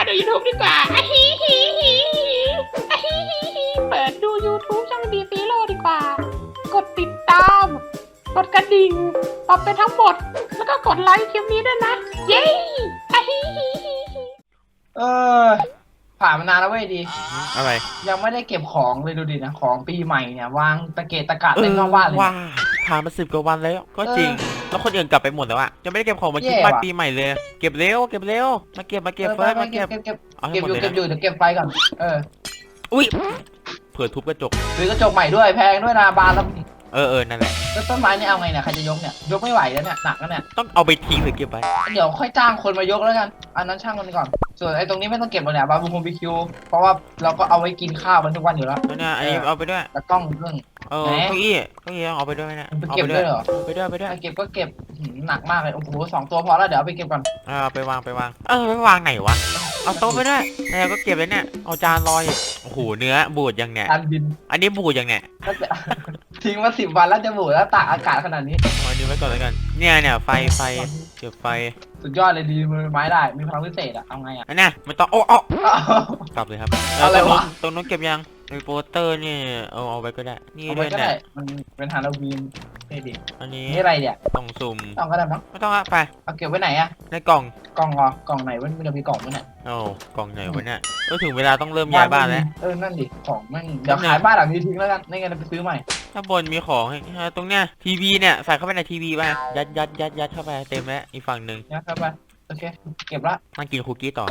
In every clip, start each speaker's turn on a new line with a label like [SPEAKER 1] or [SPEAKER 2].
[SPEAKER 1] ดู YouTube ดีกว่าอะฮิฮิฮิอะฮิฮิฮิเปิดดู YouTube ช่องดีซีโร่ดีกว่า กดติดตาม กดกระดิ่งปรับเป็นทั้งหมด แล้วก็กดไลค์คลิปนี้ด้วยนะ เย้อะฮิฮิฮิ
[SPEAKER 2] เออผ่านมานานแล้วเว้ยดี
[SPEAKER 3] อะไร
[SPEAKER 2] ยังไม่ได้เก็บของเลยดูดินะของปีใหม่เนี่ยวางตะเกียกตะกาศเต็มนอกบ้านเลย
[SPEAKER 3] ว่าผ่านมา10 กว่าวันแล้วก็จริงแล้วคนอื่นกลับไปหมดแล้วอะยังไม่ได้เก็บของมาคิดบ้านปีใหม่เลยเก็บเร็วเก็บเร็วมาเก็บเฟิร์สมาเก็บ
[SPEAKER 2] เก็บ
[SPEAKER 3] เอาให้หมดเลย
[SPEAKER 2] เก็บอยู่เดี๋ยวเก็บไฟก่อน
[SPEAKER 3] อุ้ยเผื่อทุบกระจก
[SPEAKER 2] ซื้อกระจกใหม่ด้วยแพงด้วยนะบานแล้ว
[SPEAKER 3] นั่นแหละ
[SPEAKER 2] แล้วต้นไม้นี่เอาไงเนี่ยใครจะยกเนี่ยยกไม่ไหวแล้วเนี่ยหนักแล้วเนี่ย
[SPEAKER 3] ต้องเอาไปทิ้งหรือเก็บไว้
[SPEAKER 2] เดี๋ยวค่อยจ้างคนมายกแล้วกันอันนั้นช่างมันก่อนส่วนไอ้ตรงนี้ไม่ต้องเก็บเลยเนี่ยบาร์บีคิวเพราะว่าเราก็เอาไว้กินข้าวกันทุกวันอยู่แล้ว
[SPEAKER 3] แล้วเนี่ยอันนี้เอาไปด้วย
[SPEAKER 2] แล้วกล้องเรื่อง
[SPEAKER 3] เก้าอี้เอาไปด้วยเนี่ย
[SPEAKER 2] ไปเก็บด้วยเหรอ
[SPEAKER 3] ไปด้วย
[SPEAKER 2] เก็บก็เก็บหนักมากเลยโอ้โห2 ตัวพอแล้วเดี๋ยวเอาไปเก็บก่อน
[SPEAKER 3] ไปวางไปวางไหนวะเอาโต๊ะไปด้วยแล้วก็เก็บเลยเนี่ยเอาจานลอยโอ้โหเนื้อบูดยังเนี่ย
[SPEAKER 2] จานบิน
[SPEAKER 3] อันนี้บูดยังเนี่ย
[SPEAKER 2] ทิ้งมา10 วันแล้วจะบูดแล้วตากอากาศขนาดนี้
[SPEAKER 3] เอานี้ไว้ก่อนแล้วกันเนี่ยไฟเก็บไฟ
[SPEAKER 2] สุดยอดเลยดีมือไม้ได้มีพลังพิเศษอะเอาไงอะ
[SPEAKER 3] อันน่ะมันต้องกลับเลยครับตรงนู้นเก็บยังในโปสเตอร์นี่เอาไว้ก็ได้นี่ด้วยเนี่ย
[SPEAKER 2] มันเป็นฮาโลวีนเท่ดิ
[SPEAKER 3] อันนี้
[SPEAKER 2] นี่อะไรเนี่ย
[SPEAKER 3] ต้องสุ่ม
[SPEAKER 2] ต้องก็ได้มั้ง
[SPEAKER 3] ไม่ต้องอะไป
[SPEAKER 2] เอาเก็บไว้ไหนอะ
[SPEAKER 3] ในกล่อง
[SPEAKER 2] เหรอกล่องไหนมันจะมีกล่องมั้ยเนี่ย
[SPEAKER 3] กล่องไหนวะเนี่ยถึงเวลาต้องเริ่มย้ายบ้านแล้ว
[SPEAKER 2] นั่นดิของมันเดี๋ยวขายบ้านหลังนี้ทิ้งแล้วกันไม่งั้นไปซื้อใหม่
[SPEAKER 3] ถ้าบนมีของตรงเนี้ยทีวีเนี่ยใส่เข้าไปในทีวีไปยัดเข้าไปเต็มแล้วอีกฝั่งหนึ่ง
[SPEAKER 2] ยัดเข้าไปโอเคเก็บละ
[SPEAKER 3] นั่งกินคุกกี้ต่อ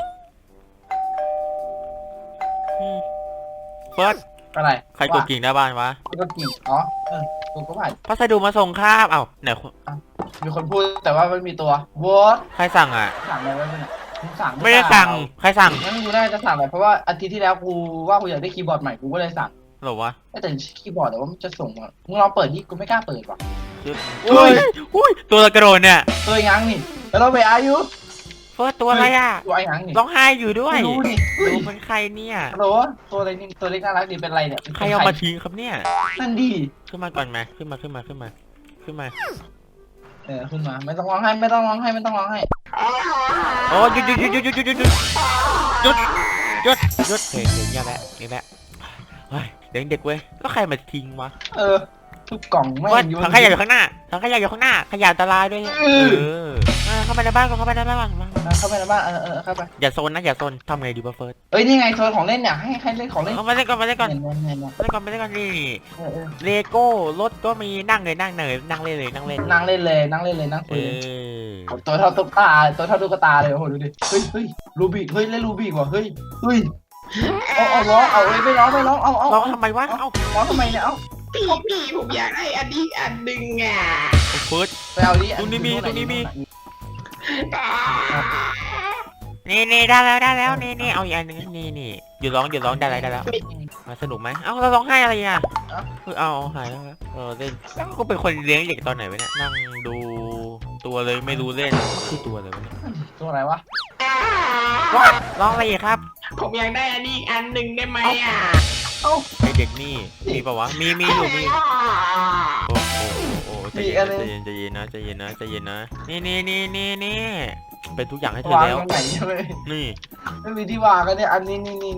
[SPEAKER 3] เฟิร์ส
[SPEAKER 2] อะไร
[SPEAKER 3] ใครกดกิ่งหน้าบ้านวะ
[SPEAKER 2] กดกิ่งกูก็ผ่าน
[SPEAKER 3] พัสดุมาส่งครับไหน
[SPEAKER 2] มีคนพูดแต่ว่าไม่มีตัววอท
[SPEAKER 3] ใครสั่งอ่ะ
[SPEAKER 2] สั่งอะไรไว้เนี่ย
[SPEAKER 3] ไม่ได้สั่งใครสั่ง
[SPEAKER 2] งั้นกูน่าจะสั่งอะไรเพราะว่าอาทิตย์ที่แล้วกูว่ากูอยากได้คีย์บอร์ดใหม่กูก็เลยสั่ง
[SPEAKER 3] หรอวะ
[SPEAKER 2] แต่คีย์บอร์ดแต่ว่ามันจะส่งมามึงลองเปิดดิกูไม่กล้าเปิดว่ะ
[SPEAKER 3] อุ้ยตัวกระโดดเนี่ย
[SPEAKER 2] ตัวยังนี่แล้วเราไปอายุ
[SPEAKER 3] เฟิร์สตัวอะไรอ่ะ
[SPEAKER 2] ตัวยังนี่
[SPEAKER 3] ร้องไห้อยู่ด้วย
[SPEAKER 2] ดูดิ
[SPEAKER 3] ดูเป็นใครเนี่ย
[SPEAKER 2] โหตัวอะไรนี่ตัวเล็กน่ารักดีเป็นไรเนี่ย
[SPEAKER 3] ใครเอามาทิ้งครับเนี่ย
[SPEAKER 2] นั่นดี
[SPEAKER 3] ขึ้นมาก่อนไหมขึ้นมาขึ้นมา
[SPEAKER 2] ขึ้นมาไม่ต้องร้องไห้
[SPEAKER 3] โอ้หยุดเฮ้ยอย่าแบะเฮ้ยเด็กเว้ยแล้วใครมาทิ้งวะ
[SPEAKER 2] ทุกกล่องไม่
[SPEAKER 3] ถังขยะอยู่ข้างหน้าขยะอันตรายด้วยเข้าไปในบ้านเข้าไปในบ้าน
[SPEAKER 2] เข้าไป
[SPEAKER 3] อย่าโซนนะอย่าโซนทำไงดีวะเฟิร์ส
[SPEAKER 2] นี่ไงโซนของเล่นเนี่ยให้เล่นของเล่น
[SPEAKER 3] มาเล่นก่อนนี่เลโก้รถก็มีนั่งเล่นเลยนั่ง
[SPEAKER 2] คุยตัวเท่าตุ๊กตาเลยโอ้โหดูดิเฮ้ยรูบิกเล่นรูบิกว่ะเฮ้ยเอาร้องไม่ร้อง
[SPEAKER 3] ร้องทำไมวะ
[SPEAKER 2] ร้องทำไมเนี่ย
[SPEAKER 1] พี่ผมอยากได้อันนี้อันหนึ่งอ่ะ
[SPEAKER 3] เฟิร์ส
[SPEAKER 2] ไปเอาดิ
[SPEAKER 3] ตรงนี้มีนี่ได้แล้วนี่เอาอีกอันนึงนี่หยุดร้องได้แล้วมาสนุกไหมเราร้องไห้อะไรอ่ะเอาหายแล้วเล่นก็เป็นคนเลี้ยงเด็กตอนไหนวะเนี่ยนั่งดูตัวเลยไม่รู้เล่นคือตัวอะไรวะเนี่ย
[SPEAKER 2] ตัวอะไรวะ
[SPEAKER 3] ร้องอะไรอีกครับ
[SPEAKER 1] ผมอยากได้อันนี้อันหนึ่งได้ไหมอ่ะ
[SPEAKER 3] ไอเด็กนี่มีป่าวะมีอยู่โอ้ใจเย็นนะนี่เป็นทุกอย่างให้เธอแล้วนี่
[SPEAKER 2] ไม่มีที่วางกันเนี่ยอันนี้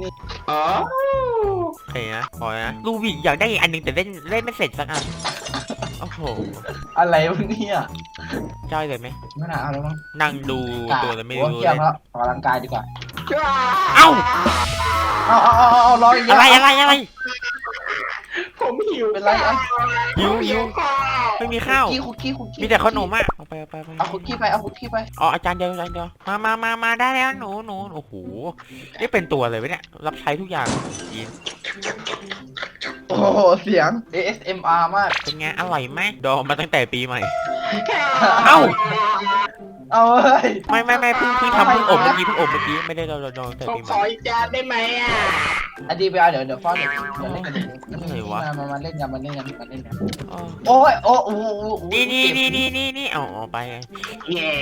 [SPEAKER 3] โอเคนะพอนะลูบิกอยากได้อันนึงแต่เล่นไม่เสร็จสักอันโอ้โห
[SPEAKER 2] อะไรวะเนี่ย
[SPEAKER 3] ใช่เลยไหม
[SPEAKER 2] ไม่น่าเอาแล้วมั้ง
[SPEAKER 3] นั่งดูตัวแล้วไม่รู้
[SPEAKER 2] เลยออกกำลังกายดีกว่า
[SPEAKER 3] เอา
[SPEAKER 2] รออีก
[SPEAKER 3] อะไร
[SPEAKER 1] ผมหิว
[SPEAKER 2] เป็นไร
[SPEAKER 3] หิวไม่มีข้าว
[SPEAKER 2] คุกกี้
[SPEAKER 3] มีแต่ขนมอ่ะเอาไป
[SPEAKER 2] เอาคุกกี้ไป
[SPEAKER 3] อาจารย์เดียวมาได้แล้วหนูโอ้โหนี่เป็นตัวเลยวะเนี่ยรับใช้ทุกอย่างกิน
[SPEAKER 2] โอ้โหเสียง ASMR มาก
[SPEAKER 3] เป็นไงอร่อยไหมดองมาตั้งแต่ปีใหม่
[SPEAKER 2] เอาเฮ้ย
[SPEAKER 3] ไม่เพิ่งทำเพิ่งอบเมื่อกี้ไม่ได้เราดองแต่ปีใหม่
[SPEAKER 1] ขออีกจานได้ไหมอ่ะ
[SPEAKER 2] อดีไปเอาเดี๋ยวฟ้อนเดี๋ยวเล่นกันมาเล่นกันโอ้ย
[SPEAKER 3] นี่เอาไป
[SPEAKER 1] เย้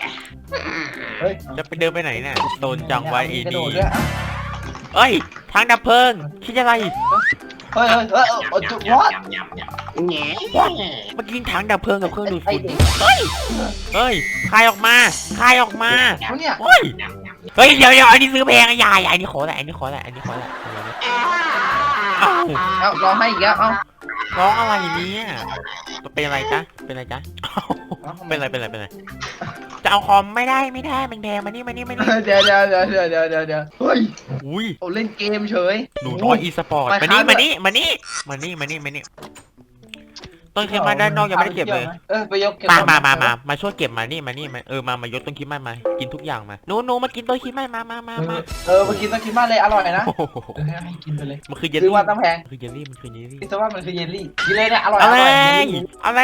[SPEAKER 3] จะไปเดินไปไหนเนี่ยโดนจังไว้อีนี่เอ้ยทางดับเพลิงคิดอะไร
[SPEAKER 2] จุดวอด
[SPEAKER 1] แง่
[SPEAKER 3] เมื่อกี้ถังดับเพลิงกับเครื่องดูดฝุ่นเฮ้ยคายออกมา
[SPEAKER 2] เนี่ย
[SPEAKER 3] เฮ้ยเฮ้ยเดี๋ยวอันนี้ซื้อแพงอย่าอันนี้ขอแหละอันนี้ขอแหละอันนี้ขอแหละเอ้า
[SPEAKER 2] เอาร้องให้อีกแล้วเอา
[SPEAKER 3] ร้องอะไรเนี่ยเป็นอะไรจ๊ะเป็นอะไรจ๊ะเป็นอะไรจะเอาคอมไม่ได้มันแพงมานี่
[SPEAKER 2] เดี๋ยวเฮ้ย
[SPEAKER 3] อุ้ย
[SPEAKER 2] โอ้เล่นเกมเฉย
[SPEAKER 3] หนูน้อยอีสปอร์ตมานี่ต้นคลิปมาด้านนอกยังไม่ได้เก็บเลย
[SPEAKER 2] ไปยกเก็บ
[SPEAKER 3] มาช่วยเก็บมานี่มายกต้นคลิปมากินทุกอย่างมาหนูมากินต้นคลิปมา
[SPEAKER 2] มากินต้องกินมากเลยอร่อยนะให้กินไปเลย
[SPEAKER 3] มันคือเยล
[SPEAKER 2] ซื้อ
[SPEAKER 3] ลี่
[SPEAKER 2] มาตั้งแพง
[SPEAKER 3] คือเยลลี่มันคือเยลลี่
[SPEAKER 2] คิดว่ามันคือเยลลี่กินเลยเนี่ยอร่อย
[SPEAKER 3] อะไร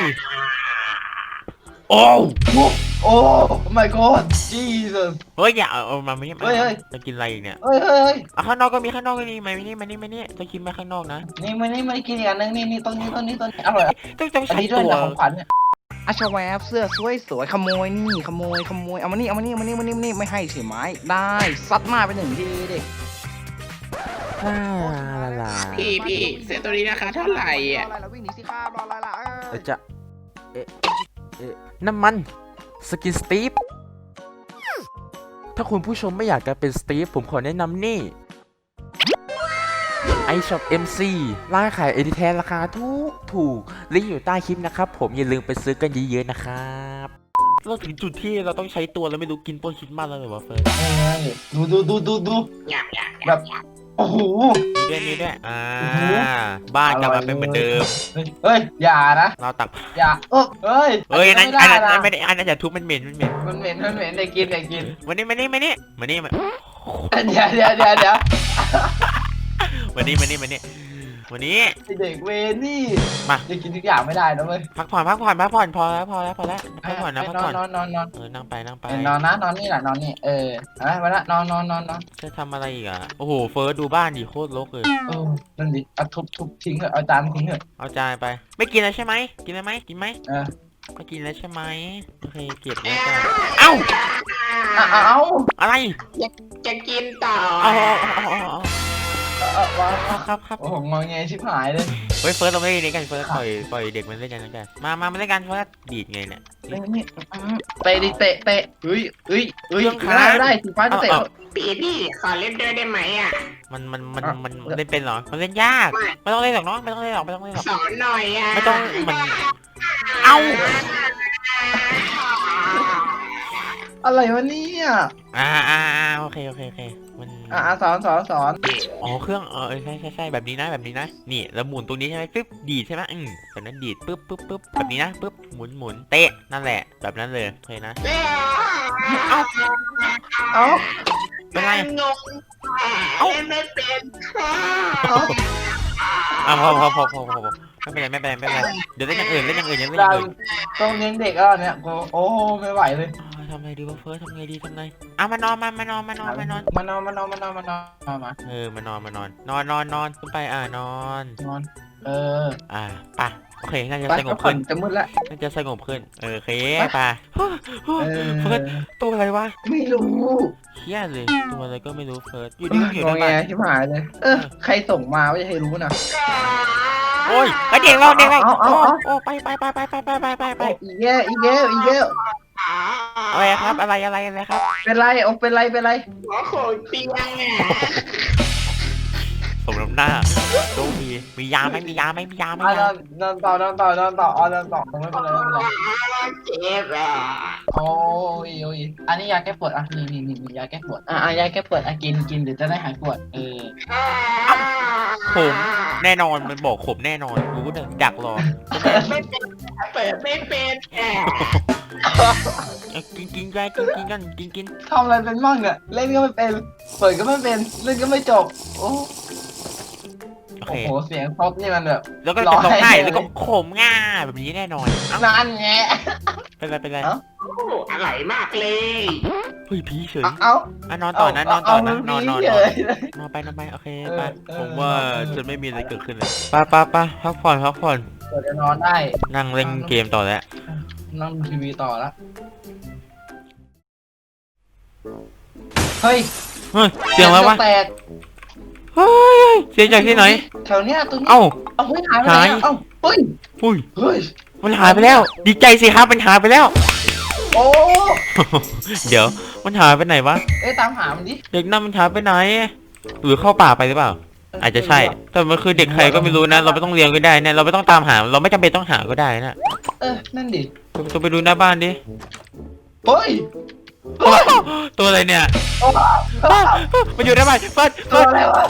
[SPEAKER 3] โอ้
[SPEAKER 2] my god Jesus
[SPEAKER 3] เฮ้ยอย่าเอามาไม่จะกินอะไรอีกเนี่ย
[SPEAKER 2] เฮ้ย
[SPEAKER 3] ข้างนอกก็มีมานี่ต้นคลิปมาข้างนอกนะ
[SPEAKER 2] นี่ไม่ได้กินอีกอันนึงนี่ต้นนี้อร่อย
[SPEAKER 3] ต้อง
[SPEAKER 2] อัน
[SPEAKER 3] ใช้
[SPEAKER 2] นี้ด้วย
[SPEAKER 3] ตัว
[SPEAKER 2] นะของขวัญเนี่ย
[SPEAKER 4] อาชาแวบเสื้อสวยขโมยนี่ขโมยเอามานี่ไม่ให้ใช่ไหมได้ซัดมาไป1 ทีดิ
[SPEAKER 3] ลา
[SPEAKER 5] พี่เสื้อตัวนี้ราคาเท่าไหร่อ่ะ
[SPEAKER 4] รออะไรล่ะวิ่งหนีสิครับรออะไรล่ะ
[SPEAKER 6] จะน้ำมันสกินสตีฟถ้าคุณผู้ชมไม่อยากจะเป็นสตีฟผมขอแนะนำนี่iShop MC ร้านขายเอดิแทนราคาถูกลิงก์อยู่ใต้คลิปนะครับผมอย่าลืมไปซื้อกันเยอะๆนะครับเราถึงจุดที่เราต้องใช้ตัวแล้วไม่รู้กินต้นคิดมากแล้วหรือว่าเฟิร์ส
[SPEAKER 2] ดูแบบโอ้โห
[SPEAKER 3] มีด้วยบ้านกลับมาเป็นเหมือนเดิม
[SPEAKER 2] เฮ้ยอย่านะ
[SPEAKER 3] เราตัก
[SPEAKER 2] อย่าเฮ้ย
[SPEAKER 3] อันนั้น
[SPEAKER 2] ไม่ได้นะ
[SPEAKER 3] ไม่ได้อันนั้นอย่าทุบมันเหม็น
[SPEAKER 2] มันเหม็นได้กิน
[SPEAKER 3] มานี่
[SPEAKER 2] เดี๋ยว
[SPEAKER 3] วันนี้
[SPEAKER 2] เด็กเวนี่
[SPEAKER 3] มา
[SPEAKER 2] จะกินทุกอย่างไม่ได้นะเว้ย
[SPEAKER 3] พักผ่อนพอแล้วพักผ่อนนะพักผ่อน
[SPEAKER 2] นอน
[SPEAKER 3] นั่งไป
[SPEAKER 2] นอนนี่แหละนอนนี่มาละนอน
[SPEAKER 3] จะทำอะไรอีกอ่ะโอ้โหเฟิร์สดูบ้านดิโคตรรกเลย
[SPEAKER 2] นั่นดิเอาทุบทิ้งเถอะเอาจานทิ้งเถอะ
[SPEAKER 3] เอาจานไปไม่กินแล้วใช่ไหมกินไหมไม่กินแล้วใช่ไหมโอเคเก็บแล้วกันเอ้า
[SPEAKER 2] เอา
[SPEAKER 3] อะไร
[SPEAKER 5] จะกินต่อ
[SPEAKER 3] เอา
[SPEAKER 2] ว้า
[SPEAKER 3] ครับ
[SPEAKER 2] โอ้โหงอแงชิบหายเลย
[SPEAKER 3] เฮ้ยเฟิร์สเราไม่ได้เล่นกันเฟิร์สปล่อยเด็กมันเล่นกันแล้วกันมาเล่นกันเฟิร์สดีดไงเนี่ย
[SPEAKER 2] นี่เตะดิเตะเฮ้ยไม่ได้สีฟ้าจะเตะ
[SPEAKER 5] พี่ขอเล่นด้วยได้ไหมอ่ะ
[SPEAKER 3] มันเล่นเป็นเหรอมันเล่นยากไม่ต้องเล่นหรอกเนาะไม่ต้องเล่นหรอก
[SPEAKER 5] สอนหน่อยอ่ะ
[SPEAKER 3] ไม่ต้องมันเอ้า
[SPEAKER 2] อะไรวะเนี่ย
[SPEAKER 3] โอเคมัน
[SPEAKER 2] สอน
[SPEAKER 3] อ๋อเครื่องใช่แบบนี้นะนี่แล้วหมุนตรงนี้ใช่ไหมปึ๊บดีดใช่ไหมแบบนั้นดีดปึ๊บแบบนี้นะปึ๊บหมุนเตะนั่นแหละแบบนั้นเลยโอเคนะ
[SPEAKER 2] เอา
[SPEAKER 3] เป็นไรง
[SPEAKER 5] งเล่นไม่เป็นค่ะ
[SPEAKER 3] พอไม่เป็นไรเดี๋ยวเล่นอย่างอื่น
[SPEAKER 2] ต้องเลี้ยงเด็กแล้วเนี่ยโอ้ไม่ไหวเลย
[SPEAKER 3] ทำไงดีวะเฟิร์สทำไงมานอนมา
[SPEAKER 2] มานอนขึ้นไป
[SPEAKER 3] นอนไปนอนป่ะโอเคน่าจะสงบขึ้น
[SPEAKER 2] จะมืดแล้ว
[SPEAKER 3] น่าจะสงบขึ้นโอเคป่ะเฟิร์สตัวอะไรวะ
[SPEAKER 2] ไม่รู้
[SPEAKER 3] เครียดเลยตัวอะไรก็ไม่รู้เฟิร์สอยู่ดีก็อยู่
[SPEAKER 2] ง
[SPEAKER 3] ใน
[SPEAKER 2] อแง
[SPEAKER 3] บ้าน
[SPEAKER 2] ชิบหายเลยใครส่งมาไม่ให้รู้นะ
[SPEAKER 3] โอ้ยเด็กเราโอ้ไป
[SPEAKER 2] อีเย้
[SPEAKER 3] อะไรครับอะไรครับ
[SPEAKER 2] เป็นไร
[SPEAKER 5] หัวโขกเตียงอ่ะ
[SPEAKER 3] สมน้ำหน้าดูมียาไหม
[SPEAKER 2] นอนต่อไม่เป็นไร
[SPEAKER 5] เจ็บอ่ะ
[SPEAKER 2] โอ้ยอันนี้ยาแก้ปวดนี่ยาแก้ปวดยาแก้ปวดกินหรือจะได้หายปวด
[SPEAKER 3] ขมแน่นอนมันบอกขมแน่นอนรู้เนี่ยดักรอ
[SPEAKER 5] เปิดไม่เป็น
[SPEAKER 3] กินกัน
[SPEAKER 2] ทำอะไรเป็นมั่งเนี่ยเล่นก็ไม่เป็นเปิดก็ไม่เป็นเล่นก็ไม่จบโอ้โหเสียงท็อปนี่มันแบบ
[SPEAKER 3] แล้วก็จะร้องไห้แล้วก็ขมง่าแบบนี้แน่นอน
[SPEAKER 2] นั่นไง
[SPEAKER 3] เป็นไร
[SPEAKER 5] อร่อยมากเลย
[SPEAKER 3] เฮ้ยผีเฉย
[SPEAKER 2] น
[SPEAKER 3] อนต่อนะนอนไปโอเคไป
[SPEAKER 2] เออ
[SPEAKER 3] ผมว่าจะไม่มีอะไรเกิดขึ้นเลยไปพักผ่อน
[SPEAKER 2] เปิดจะนอนได้
[SPEAKER 3] นั่งเล่นเกมต่อแล้ว
[SPEAKER 2] นั่งทีวีต่อละเฮ้ย
[SPEAKER 3] เสียงอะไรวะ
[SPEAKER 2] แตก
[SPEAKER 3] เฮ้ยเสียงจากที่ไหน
[SPEAKER 2] แถวเนี้ยตัวนี้
[SPEAKER 3] เอ้า
[SPEAKER 2] เฮ้ยหายไปไหนเฮ้ย
[SPEAKER 3] มันหายไปแล้ว ดีใจสิครับมันหายไปแล้ว
[SPEAKER 2] โอ้
[SPEAKER 3] เดี๋ยวมันหายไปไหนวะ
[SPEAKER 2] เอ้ยตามหามันดิ
[SPEAKER 3] เด็กนั่นมันหายไปไหน หรือเข้าป่าไปหรือเปล่า อาจจะใช่ แต่มันคือเด็กใครก็ไม่รู้นะ เราไม่ต้องเลี้ยงก็ได้นะเราไม่ต้องตามหา เราไม่จำเป็นต้องหาก็ได้นะ
[SPEAKER 2] นั่นดิ
[SPEAKER 3] ตัวไปดูหน้าบ้านดิ
[SPEAKER 2] เฮ้ย
[SPEAKER 3] ตัวอะไรเนี่ย
[SPEAKER 2] โอ้
[SPEAKER 3] มันอยู่หน้าบ้านเฟิร์ส
[SPEAKER 2] ตัวอะไรวะ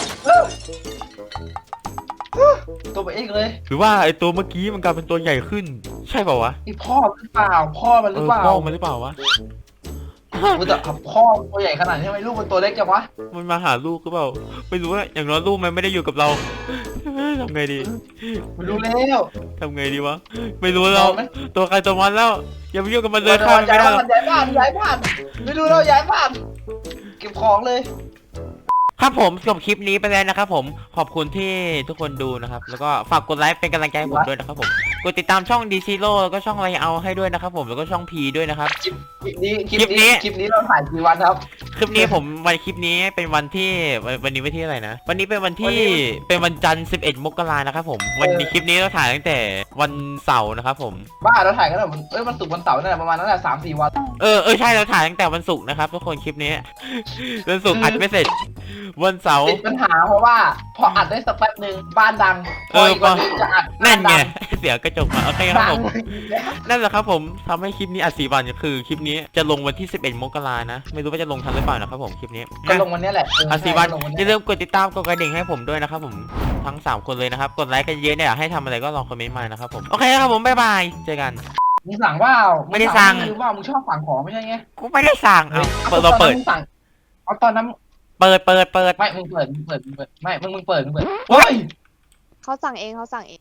[SPEAKER 2] ตัวไปเองเลย
[SPEAKER 3] หรือว่าไอตัวเมื่อกี้มันกลายเป็นตัวใหญ่ขึ้น ใช่เปล่าวะ
[SPEAKER 2] ไอพ่อหรือเปล่าพ่อมันหรือเปล่า
[SPEAKER 3] พ่อมันหรือเปล่าวะ
[SPEAKER 2] แต่พ่อตัวใหญ่ขนาดนี้ทำไมลูกมันตัวเล็กจังวะ
[SPEAKER 3] มันมาหาลูกหรือเปล่า ไม่รู้ว่าอย่างน้อยลูกมันไม่ได้อยู่กับเรา ทำไงดี
[SPEAKER 2] มันรู้แล้ว
[SPEAKER 3] ทำไงดีวะ ไม่รู้เราตัวใครตัวมันแล้ว อย่าไปยุ่งกับมันเลยข้ามมัน
[SPEAKER 2] ย้า
[SPEAKER 3] ไม่
[SPEAKER 2] ย
[SPEAKER 3] ได้หรอก
[SPEAKER 2] บ้านไม่รู้เราย้ายบ้านเก็บของเลย
[SPEAKER 3] ครับผมจบคลิปนี้ไปแล้วนะครับผมขอบคุณที่ทุกคนดูนะครับแล้วก็ฝากกดไลค์เป็นกำลังใจให้ผมด้วยนะครับผมกดติดตามช่องดีซีโร่แล้วก็ช่องไรเอาให้ด้วยนะครับผมแล้วก็ช่องพีด้วยนะครับ
[SPEAKER 2] คลิปนี้เราถ่ายกี่วันครับ
[SPEAKER 3] คลิปนี้ผมคลิปนี้เป็นวันที่วันนี้วันที่อะไรนะวันนี้เป็นวันที่
[SPEAKER 2] วันนี้
[SPEAKER 3] เป็นวันจันทร์11 มกรานะครับผมวันนี้คลิปนี้เราถ่ายตั้งแต่วันเสาร์นะครับผม
[SPEAKER 2] บ้าเราถ่ายกันแล้วมันศุกร์วันเสาร์นั่นแหละประมาณนั้นแหละ3-4 วัน
[SPEAKER 3] ใช่เราถ่ายตั้งแต่วันศุกร์นะครับทุกคนคลิปนี้ วันศุกร์อัดไม่เสร็จวันเสาร์
[SPEAKER 2] ติดปัญหาเพราะว่าพออัดได้สักแป๊บนึงบ้านดังพออีกวันนึงจะอัด
[SPEAKER 3] นั่นไง
[SPEAKER 2] บ้า
[SPEAKER 3] เสียกระจกมาโอเคครับ
[SPEAKER 2] ดั
[SPEAKER 3] ผ
[SPEAKER 2] ง
[SPEAKER 3] ม นั่นแหละครับผมทำให้คลิปนี้อัด4 วันคือคลิปนี้จะลงวันที่11 มกรานะไม่รู้ว่าจะลงทันหรือเปล่านะครับผมคลิปนี้
[SPEAKER 2] ก็ลงวันนี้แหละ
[SPEAKER 3] อัด4 วัน
[SPEAKER 2] ลงวัน
[SPEAKER 3] อ
[SPEAKER 2] นี้
[SPEAKER 3] ย่าลืมกดติดตามกดกระดิ่งให้ผมด้วยนะครับผมทั้ง3 คนเลยนะครับกดไลค์กันเยอะเนี่ยอยากให้ทำอะไรก็ลองคอมเมนต์มานะครับผมโอเคครับผมบ๊ายบายเจอกัน
[SPEAKER 2] มึงสั่งว่า
[SPEAKER 3] ไม่ได้สั่ง
[SPEAKER 2] หรือว่ามึงชอบสั่งของไม่ใช่ไง
[SPEAKER 3] กูไม่ได้สั่งเอาเราเปิด
[SPEAKER 2] มึงสั่งเอาตอนนั้น
[SPEAKER 3] เปิด
[SPEAKER 2] ไม่มึงเปิดไม่มึงเปิดเฮ้ย
[SPEAKER 7] เขาสั่งเองเขาสั่งเอง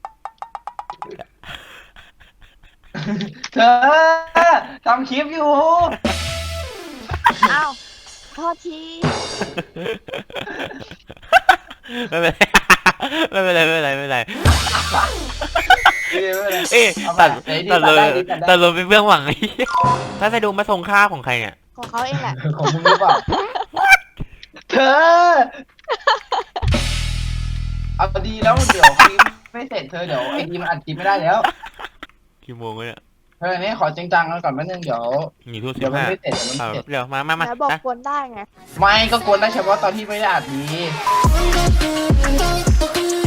[SPEAKER 2] เธอทำคลิปอยู่
[SPEAKER 7] อ้าวโทษที
[SPEAKER 3] ไม่เป็นไรไม่เป็นไรไม่เป็นไรไม่เป็นไร เอ๊ะ
[SPEAKER 2] เอาไป
[SPEAKER 3] ตัด
[SPEAKER 2] ไหนดี
[SPEAKER 3] ตัดเลย
[SPEAKER 2] ตัดได้ดีตัดได้
[SPEAKER 3] ตัดเลยเป็นเบื้องหลังไอ้เหี้ยถ้าจะดูมาส่งข้าวของใครเนี่ย
[SPEAKER 7] ของเขาเองแหละ
[SPEAKER 2] ของมึงหรือเปล่าเธอเอาดีแล้วเดี๋ยวคลิปไม่เสร็จเธอเดี๋ยวไอ้ดีมันอัดคลิปไม่ได้แล้ว
[SPEAKER 3] กี่โมงแล้วเนี่ย
[SPEAKER 2] เธอนี่ขอจริงจังกันก่อนแป๊บนึงเดี๋ยว
[SPEAKER 3] ทุ่ม
[SPEAKER 2] เดี๋ยวมัน
[SPEAKER 3] 15
[SPEAKER 2] ไม่เสร็จเดี๋ยวมันไม่เสร็จ
[SPEAKER 3] เดี๋ยวมา
[SPEAKER 7] แล้วบอก
[SPEAKER 3] นะ
[SPEAKER 7] กวนได้ไง
[SPEAKER 2] ไม่ก็กวนได้เฉพาะตอนที่ไม่ได้อัดดี